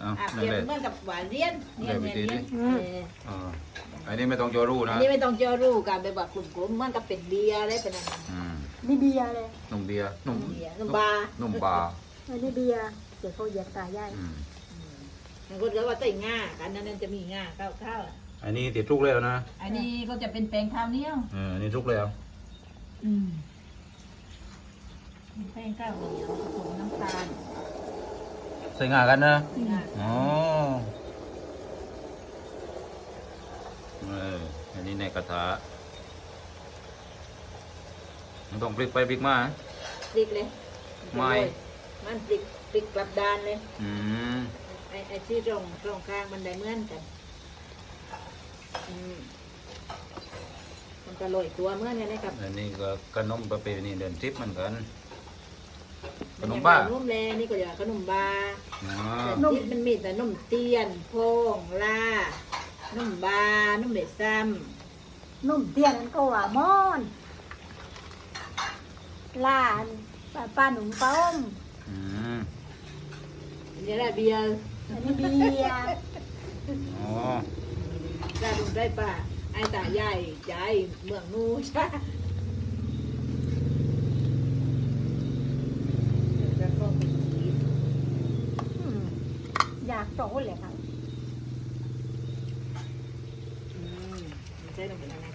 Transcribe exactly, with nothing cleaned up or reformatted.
เอาอ่ะนั่เปนรียบเลยเหมือนกับหวานเลี้ยนเลี้ยนเดี๋เลี้ยยว นวิธีเลี้ยนดิเอออ่าอันนี้ไม่ต้องโจรู้อันะนนี้ไม่ต้องเจอรู้กันไปแบบกลุ่มๆเหมือนกับเป็นเบียร์อะไรเป็นอะไรอืมนี่เบียร์เลยนุ่มเบียร์นุ่มเบียร์นุ่มบาร์นุ่มบาร์อันนี้เบียร์เดี๋ยวเขาเหยียบตาย่ายอืมบางคนก็ว่าใส่ง่ากันนั้นจะมีง่าข้าวข้าวอันนี้ติดทุกแล้วนะอันนี้ก็จะเป็นแป้งข้าวเหนียวเอออันนี้ทุกแล้วอืมแป้งข้าวเหนียวผสมน้ำตาลใส่งากันนะง่าอ๋อเอออันนี้ในกระทะมันต้องพลิกไปพลิกมาพริกเลยไม่มันพริกพริกกลับด้านเลยอืมไอ้ไอ้ที่ตรงตรงกลางมันได้เหมือนกันอืมมันก็ลอยตัวเหมือนกันนะครับอันนี้ก็ขนมประเพณีเดินทิพย์เหมือนกัน ขนมยังบ้าขนมแลนี่ก็เรียกว่าขนมบาอ๋อแต่ที่มันมีแต่นมเตียนโพงลานมบานมเบ็ดซ้นุ่มเตี้ยนั้นก็ว่ามอนลานปลาปลาหนุ่มต้มอืมำนี่แหละเบียร์อันนี้เบียร์อ๋อได้ดุได้ป่ะไอ้ตาใหญ่ใหญ่เมืองนูใช่แล้วก็มีชีสอืมอยากโตเลยครับอืมมันใช่ตรงไหนนะ